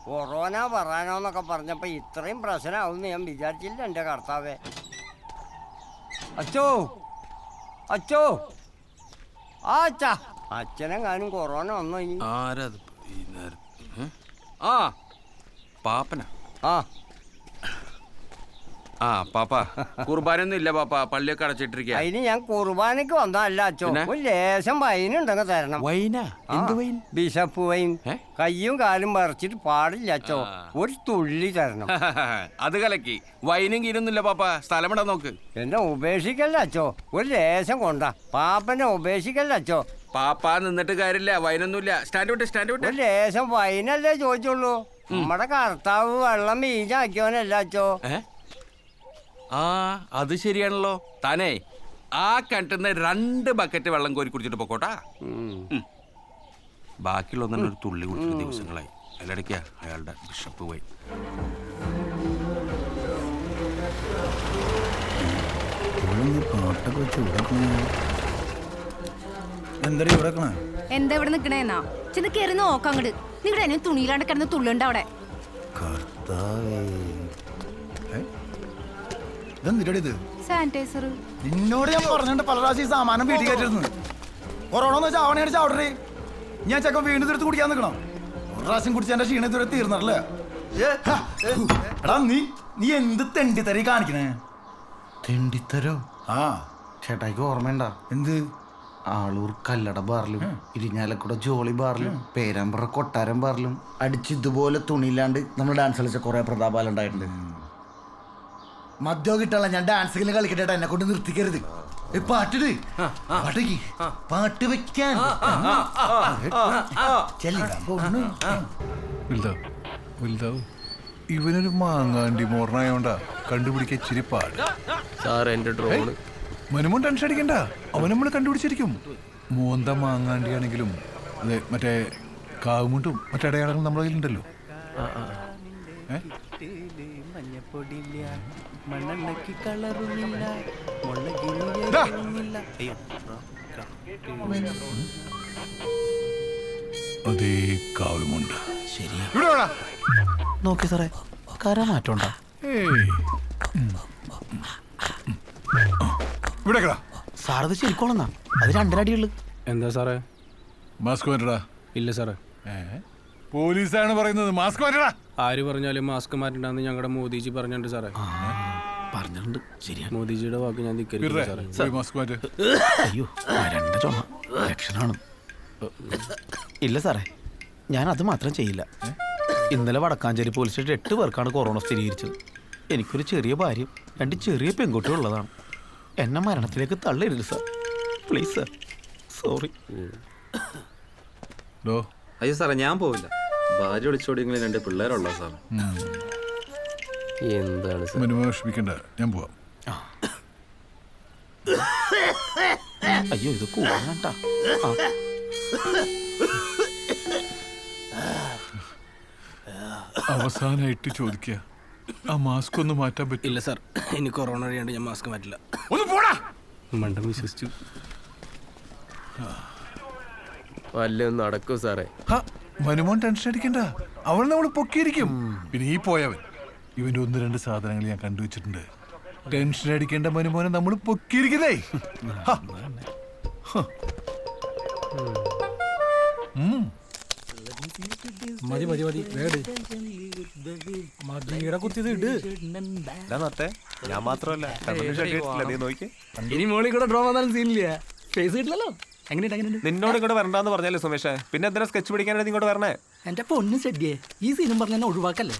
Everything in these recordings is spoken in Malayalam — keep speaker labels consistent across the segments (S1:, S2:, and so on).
S1: കൊറോണ പറയാനോന്നൊക്കെ പറഞ്ഞപ്പോ ഇത്രയും പ്രശ്നമാവുമെന്ന് ഞാൻ വിചാരിച്ചില്ല എൻ്റെ കർത്താവേ. അച്ചോ അച്ചോ ആ അച്ഛാ, അച്ഛനെങ്ങാനും കൊറോണ വന്നോ ഇനി?
S2: ആരത് ആ പാപ്പന
S1: ആ
S2: ആ പാപ്പ കുർബാനൊന്നും ഇല്ല പാപ്പ, പള്ളിയൊക്കെ അടച്ചിട്ടിരിക്കുക.
S1: അതിന് ഞാൻ കുർബാനക്ക് വന്നതല്ല അച്ചോ, ഒരു ലേശം വൈനുണ്ടെങ്കിൽ തരണം.
S2: വൈനാ? എന്ത് വൈൻ?
S1: Bishop wine. കയ്യും കാലും പറിച്ചിട്ട് പാടില്ല അച്ചോ, ഒരു തുള്ളി തരണം.
S2: അത് കലക്കി. വൈനും കീരൊന്നുമില്ല പാപ്പ, സ്ഥലം ഇടാൻ നോക്ക്.
S1: എന്നെ ഉപേക്ഷിക്കല്ല അച്ചോ, ഒരു ലേശം കൊണ്ടാ. പാപ്പനെ ഉപേക്ഷിക്കല്ല അച്ചോ.
S2: പാപ്പ നിന്നിട്ട് കാര്യമില്ല, വൈനൊന്നുമില്ല. സ്റ്റാൻഡ് വിട്ട്, സ്റ്റാൻഡ് വിട്ട്.
S1: ഒരു ലേശം വൈനല്ലേ ചോദിച്ചുള്ളൂ. നമ്മുടെ കർത്താവ് വെള്ളം വീഞ്ഞാക്കിയോനല്ല അച്ചോ.
S2: ആ അത് ശരിയാണല്ലോ. താനേ ആ കിണറ്റിന്ന് 2 ബക്കറ്റ് വെള്ളം കോരി കുടിച്ചിട്ട് പൊക്കോട്ടാ. ബാക്കിയുള്ള ഒരു തുള്ളി കുടിച്ചിട്ട് ദിവസങ്ങളായി. അതിലിടയ്ക്കാ അയാളുടെ ബിഷപ്പ് പോയി.
S3: എന്താ ഇവിടെ നിക്കണേന്നാ ചെന്ന് കേറി നോക്കാം. അങ്ങോട്ട് നിങ്ങളുടെ എന്നെ തുണിയിലാണ്ട് കിടന്ന് തുള്ളുണ്ട് അവിടെ. സാനിറ്റൈസർ
S4: നിന്നോട് ഞാൻ പറഞ്ഞിട്ട് പല പ്രാവശ്യം സാമാനം വീട്ടിൽ കയറ്റിരുന്നു. കൊറോണ എന്ന് വെച്ചാൽ അവനെ അടിച്ച് അവിടെ ഞാൻ ചെക്കൻ വീണ്ടും തീർത്ത് കുടിക്കാൻ നിൽക്കണം. ഒരു പ്രാവശ്യം കുടിച്ച എന്റെ ക്ഷീണം ഇതുവരെ തീർന്നല്ലേ. എടാ നീ എന്ത് തെണ്ടിത്തരി കാണിക്കണേ?
S5: തെണ്ടിത്തരോ?
S4: ആ
S5: ചേട്ടായിക്ക് ഓർമ്മയുണ്ടാ?
S4: എന്ത്?
S5: ആളൂർ കല്ലട ബാറിലും ഇരിഞ്ഞാലക്കുട ജോളി ബാറിലും പേരാമ്പ്ര കൊട്ടാരം ബാറിലും അടിച്ച് ഇതുപോലെ തുണിയില്ലാണ്ട് നമ്മൾ ഡാൻസ് കളിച്ച കുറെ പ്രതാപാലം ഉണ്ടായിട്ടുണ്ട്. മദ്യോ കിട്ടാനുള്ള ഞാൻ ഡാൻസ് കളിക്കട്ടെ, എന്നെ കൊണ്ട് നിർത്തിക്കരുത്. പാട്ടിട്, പാട്ട് വെക്കാൻ
S6: ഇവനൊരു മാങ്ങാണ്ടി മോർണായോണ്ടാ കണ്ടുപിടിക്കാൻ ഇച്ചിരി പാട്. മനുമോൻ ടെൻഷൻ അടിക്കണ്ട, അവൻ നമ്മൾ കണ്ടുപിടിച്ചിരിക്കും. മോന്ത മാങ്ങാണ്ടിയാണെങ്കിലും മറ്റേ കാവുമുണ്ടും മറ്റടയാളങ്ങളും നമ്മുടെ കയ്യിലുണ്ടല്ലോ. അതേ കാവുമുണ്ട്.
S5: നോക്കി സാറേ, കര മാറ്റണ്ട. സാറത് ശരിക്കോളന്നാ, അത് 2 അടിയുള്ളു.
S7: എന്താ സാറേ?
S6: മാസ്ക് മാറ്റടാ.
S7: ഇല്ല സാറേ.
S6: പോലീസാണ് പറയുന്നത്, മാസ്ക് മാറ്റടാ.
S7: ആര് പറഞ്ഞാലും മാസ്ക് മാറ്റണ്ടെന്ന് ഞങ്ങളുടെ മോദിജി പറഞ്ഞിട്ടുണ്ട് സാറേ.
S5: പറഞ്ഞിട്ടുണ്ട്, ശരിയാണ്.
S7: മോദിജിയുടെ വാക്ക് ഞാൻ ധിക്കരിക്കില്ല സാറേ.
S6: മാസ്ക് മാറ്റ്.
S5: അയ്യോ, 2 ചുമ ലക്ഷണമാണ്. ഇല്ല സാറേ, ഞാൻ അത് മാത്രം ചെയ്യില്ല. ഇന്നലെ വടക്കാഞ്ചേരി പോലീസ് സ്റ്റേഷൻ 8 പേർക്കാണ് കൊറോണ സ്ഥിരീകരിച്ചത്. എനിക്കൊരു ചെറിയ ഭാര്യയും 2 ചെറിയ പെൺകുട്ടികൾ ഉള്ളതാണ്. എന്നെ മരണത്തിലേക്ക് തള്ളരുത് സാർ, പ്ലീസ് സാർ. സോറി.
S8: അയ്യോ സാറേ, ഞാൻ പോവില്ല. ഭാര്യ വിളിച്ചോടിയെങ്കിലും 2 പിള്ളേരുള്ള സാർ.
S6: എന്താണ് വിഷമിക്കണ്ട, ഞാൻ പോവാം.
S5: അയ്യോ, ഇത് കൂടാണ്ട.
S6: അവസാനായിട്ട് ചോദിക്കുക, ആ മാസ്ക് ഒന്ന് മാറ്റാൻ പറ്റില്ല?
S7: ഇല്ല സാർ, ഇനി കൊറോണ അറിയാണ്ട് ഞാൻ മാസ്ക് മാറ്റില്ല. മണ്ടം വിശ്വസിച്ചു.
S8: വല്ലതും നടക്കൂ സാറേ.
S6: മനുമോൻ ടെൻഷൻ അടിക്കണ്ട, അവൾ നമ്മൾ പൊക്കിയിരിക്കും. പിന്നെ ഈ പോയവൻ, ഇവന്റെ 1-2 സാധനങ്ങൾ ഞാൻ കണ്ടുവച്ചിട്ടുണ്ട്. ടെൻഷൻ അടിക്കേണ്ട മനുമോനെ നമ്മൾ പൊക്കിയിരിക്കുന്നേ.
S7: മതി മതി മതി, മതിയുടെ കുത്തിയത് ഇട്.
S8: ഞാൻ മാത്രമല്ല,
S7: ഇനി മോളിൽ കൂടെ ഡ്രോ വന്നാലും സീനില്ല. ഫേസ് കിട്ടില്ലല്ലോ.
S8: നിന്നോട് ഇങ്ങോട്ട് വരണ്ടെന്ന് പറഞ്ഞാലേ സുമേഷേ, പിന്നെ എന്തിനാ സ്കെച്ച് പിടിക്കാനായിട്ട് ഇങ്ങോട്ട് വരണേ?
S9: എന്റെ പൊന്ന് സെഡ്ഗേ, ഈ സീനും പറഞ്ഞ ഒഴിവാക്കല്ലേ.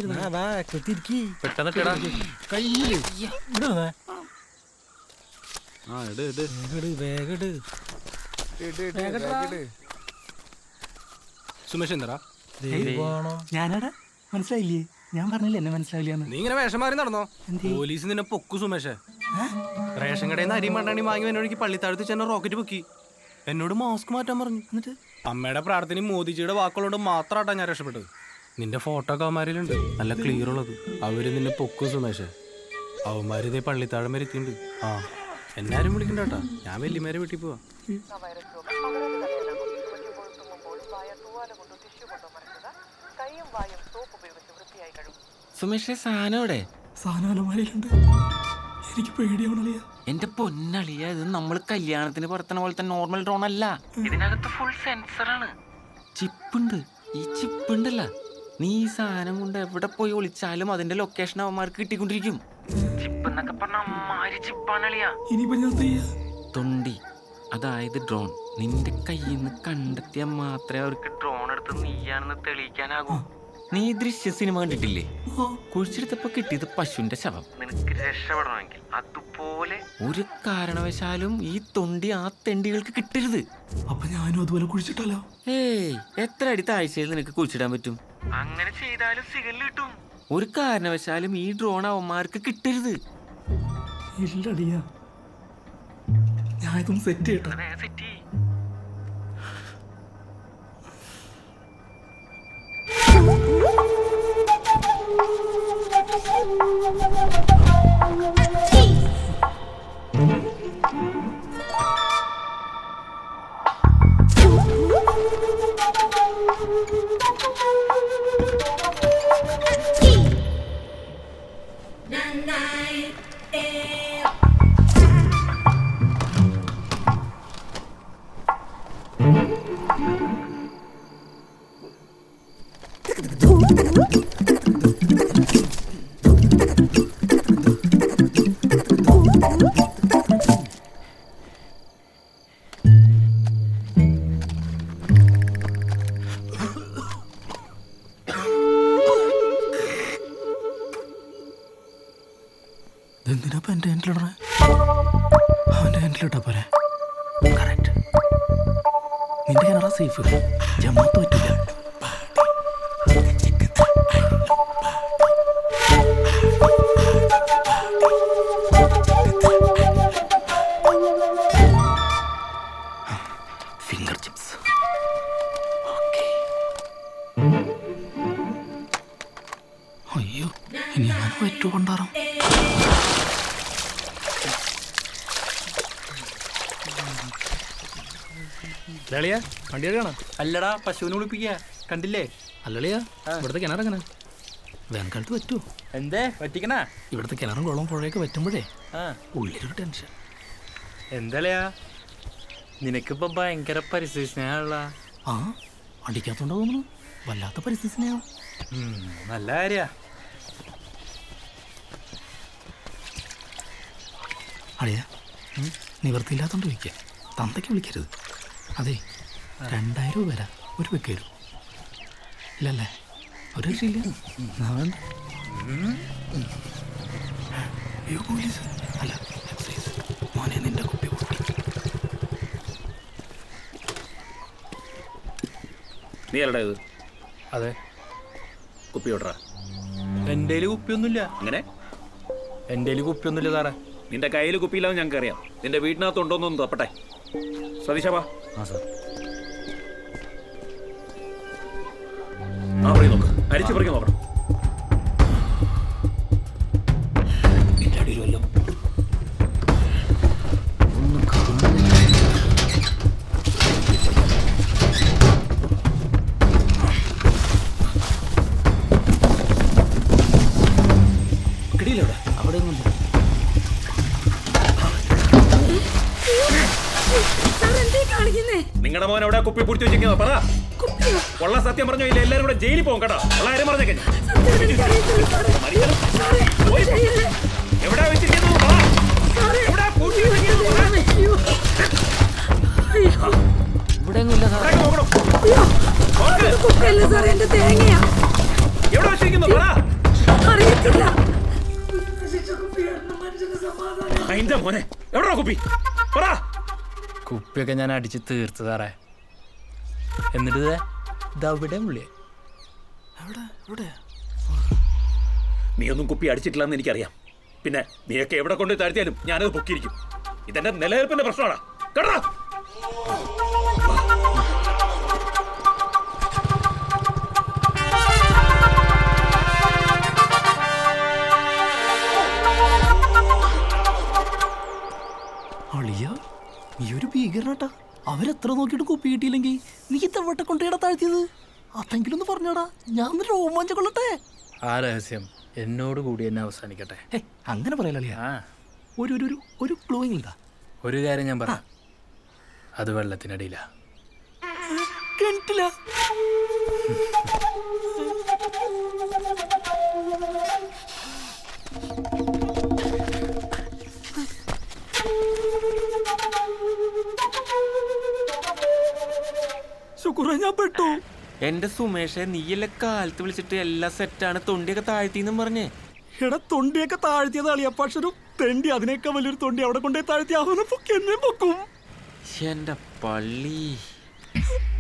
S7: സുമേഷ് എന്താ
S9: ഞാനടാ, മനസ്സിലായില്ലേ? ഞാൻ പറഞ്ഞില്ലേ എന്നെ മനസ്സിലാവില്ല.
S7: നീ ഇങ്ങനെ വേഷം മാറി നടന്നോ? പോലീസ് നിന്നെ പൊക്കു സുമേഷേ. റേഷൻ കടയിൽ നിന്ന് അരിയും മണ്ടാണി വാങ്ങി എന്നോട് പള്ളിത്താഴത്ത് ചെന്ന റോക്കറ്റ് പൊക്കി. എന്നോട് മാസ്ക് മാറ്റാൻ പറഞ്ഞു. എന്നിട്ട് അമ്മയുടെ പ്രാർത്ഥനയും മോദിജിയുടെ വാക്കുകളോട് മാത്രമായിട്ടാണ് ഞാൻ രക്ഷപ്പെട്ടത്. നിന്റെ ഫോട്ടോ ഒക്കെ അവന്മാരിലുണ്ട്, നല്ല ക്ലിയർ ഉള്ളത്. അവര് നിന്നെ പൊക്കും സുമേഷേ. അവന്മാരിതേ പള്ളിത്താഴം വരെ എത്തിയിട്ടുണ്ട്. ആ, എന്നാരും വിളിക്കണ്ട കേട്ടാ, ഞാൻ വല്യമാരെ വീട്ടിൽ പോവാ.
S2: സുമേഷേ സാധനോടെ
S9: സാധനം അലമാരയിലുണ്ട്. എനിക്ക് പേടിയാവണല്ലേ.
S2: എന്റെ പൊന്നളിയ, ഇത് നമ്മൾ കല്യാണത്തിന് പുറത്തണ പോലത്തെ നോർമൽ ഡ്രോൺ അല്ല. ഇതിനകത്ത് ഫുൾ സെൻസറാണ്, ചിപ്പുണ്ട്. ഈ ചിപ്പുണ്ടല്ല, നീ ഈ സാധനം കൊണ്ട് എവിടെ പോയി ഒളിച്ചാലും അതിന്റെ ലൊക്കേഷൻ അവന്മാർക്ക് കിട്ടിക്കൊണ്ടിരിക്കും. ചിപ്പ് എന്നൊക്കെ പറഞ്ഞ അമ്മാരി ചിപ്പാണളിയാ.
S9: ഇനിയിപ്പോ ഞാൻ ചെയ്യാ
S2: തൊണ്ടി, അതായത് ഡ്രോൺ. നിന്റെ കയ്യിൽ നിന്ന് കണ്ടെത്തിയാൽ മാത്രമേ അവർക്ക് ഡ്രോൺ എടുത്ത് നീയാണെന്ന് തെളിയിക്കാനാകൂ. നീ ദൃശ്യ സിനിമ കണ്ടിട്ടില്ലേ? കുഴിച്ചെടുത്തപ്പോ കിട്ടിയത് പശുവിന്റെ ശവം. നിനക്ക് രക്ഷപ്പെടണമെങ്കിൽ അതുപോലെ ഒരു കാരണവശാലും ഈ തൊണ്ടി ആ തെണ്ടികൾക്ക് കിട്ടരുത്.
S9: അപ്പൊ ഞാനും അതുപോലെ കുഴിച്ചിട്ടല്ലോ.
S2: ഏയ്, എത്ര അടി താഴ്ചയിൽ നിനക്ക് കുഴിച്ചിടാൻ പറ്റും? അങ്ങനെ ചെയ്താലും സിഗല് കിട്ടും. ഒരു കാരണവശാലും ഈ ഡ്രോൺ അവന്മാർക്ക് കിട്ടരുത്.
S9: ഇല്ലടിയാ, ഞാൻ ഇതൊന്ന് സെറ്റ് ചെയ്യട്ടെ.
S2: സെറ്റ് ചെയ്യ്.
S9: എന്തിനാ എന്റെ ഹാൻഡിലിടണേ? അവന്റെ ഹാൻഡിലിട്ടാ പോരെ. കറക്റ്റ്. നിന്റെ കിണറാ സേഫ്. ജമാത്ത് പറ്റില്ല. Finger chips. അയ്യോ, ഇനി ഞാൻ പറ്റു കൊണ്ടാറാം.
S7: ലളിയ വണ്ടി എടുക്കണ? അല്ലടാ, പശുവിനെ കുളിപ്പിക്കുക. കണ്ടില്ലേ?
S9: അല്ലളിയാ, ഇവിടുത്തെ കിണറെങ്ങനെ? വേനൽക്കാലത്ത് പറ്റുമോ?
S7: എന്തേ പറ്റിക്കണ?
S9: ഇവിടുത്തെ കിണറും കുളവും പുഴയൊക്കെ പറ്റുമ്പോഴേ ഉള്ളിലൊരു ടെൻഷൻ.
S7: എന്താ നിനക്കിപ്പോ ഭയങ്കര പരിസ്ഥിതി സ്നേഹമുള്ള.
S9: ആ, അടിക്കാത്തോണ്ടോ തോന്നുന്നു. വല്ലാത്ത പരിസ്ഥിതി സ്നേഹം.
S7: നല്ല കാര്യ.
S9: അളിയ, നിവൃത്തിയില്ലാത്തോണ്ട് ചോദിക്കുക. തന്തയ്ക്ക് വിളിക്കരുത്. അതെ, 2000 രൂപ വരാം. ഒരു വെക്കരു ഇല്ലല്ലേ? ഒരു രക്ഷയില്ല. അയ്യോ, പോലീസ് അല്ല, എക്സൈസ്. മോനെ, നിന്റെ കുപ്പി പൊട്ടി.
S8: നീ അല്ലടാ ഇത്?
S7: അതെ.
S8: കുപ്പി ഓട്ടറാ.
S7: എൻ്റെ കുപ്പിയൊന്നുമില്ല.
S8: അങ്ങനെ
S7: എൻ്റെ കുപ്പിയൊന്നുമില്ല സാറേ.
S8: നിന്റെ കയ്യിൽ കുപ്പിയില്ലാന്ന് ഞങ്ങൾക്ക് അറിയാം. നിന്റെ വീട്ടിനകത്ത് ഉണ്ടോന്നൊന്ന് തപ്പട്ടെ. സതീശാ,
S7: ആ സാർ.
S8: ആ, പറയും നോക്ക്. അരിച്ചു പറിക്കാൻ നോക്കണം.
S9: ഇല്ലടിയിലല്ലോ. കിടിയിലവിടെ അവിടെ ഒന്നും.
S8: നിങ്ങളുടെ മോൻ എവിടെ കുപ്പി പിടിച്ചു വെച്ചിരിക്കുന്നത്? പറ. ഉള്ള സത്യം പറഞ്ഞോ, ഇല്ല എല്ലാരും കൂടെ ജയിലിൽ പോകും കേട്ടോ. ഉള്ള കാര്യം പറഞ്ഞേക്കെ. എവിടെ വെച്ചിരിക്കുന്നത്? എവിടെ വെച്ചിരിക്കുന്നു? പറ. അതിന്റെ മോനെ എവിടാ കുപ്പി? പറ.
S7: കുപ്പിയൊക്കെ ഞാൻ അടിച്ച് തീർത്ത് സാറേ. എന്നിട്ട് ഇതവിടെ പുള്ളിയെ.
S8: നീ ഒന്നും കുപ്പി അടിച്ചിട്ടില്ലെന്ന് എനിക്കറിയാം. പിന്നെ നീയൊക്കെ എവിടെ കൊണ്ട് താഴ്ത്തിയാലും ഞാനത് പൊക്കിയിരിക്കും. ഇതെന്റെ നിലനിൽപ്പിന്റെ പ്രശ്നമാണ് കേട്ടോ.
S9: അളിയ, നീ ഒരു ഭീകരനാട്ടാ. അവരെത്ര നോക്കിയിട്ട് കുപ്പി കിട്ടിയില്ലെങ്കിൽ നീ തവട്ടെ കൊണ്ടേടാ താഴ്ത്തിയത്. അതെങ്കിലും ഒന്ന് പറഞ്ഞോടാ, ഞാൻ രോമാഞ്ചം കൊള്ളട്ടെ.
S7: ആ രഹസ്യം എന്നോട് കൂടി എന്നെ അവസാനിക്കട്ടെ.
S9: അങ്ങനെ പറയലല്ലേ. ഒരു ഒരു ഒരു ക്ലൂ ഇല്ല.
S7: ഒരു കാര്യം ഞാൻ പറയാം, അത് വെള്ളത്തിനടിയില്ല.
S9: കിണറ്റില്ല. ശുക്ര, ഞാൻ പെട്ടു.
S2: എന്റെ സുമേഷെ, നീയല്ലേ കാലത്ത് വിളിച്ചിട്ട് എല്ലാം സെറ്റാണ്, തൊണ്ടിയൊക്കെ താഴ്ത്തിന്നും പറഞ്ഞേ.
S9: എടാ, തൊണ്ടിയൊക്കെ താഴ്ത്തിയത് അളിയാ, പക്ഷെ ഒരു തെണ്ടി അതിനേക്കാൾ വലിയൊരു തൊണ്ടി അവിടെ കൊണ്ടേ താഴ്ത്തി അവനെ പൊക്കി എന്നെ പൊക്കും.
S2: എന്റെ പള്ളി.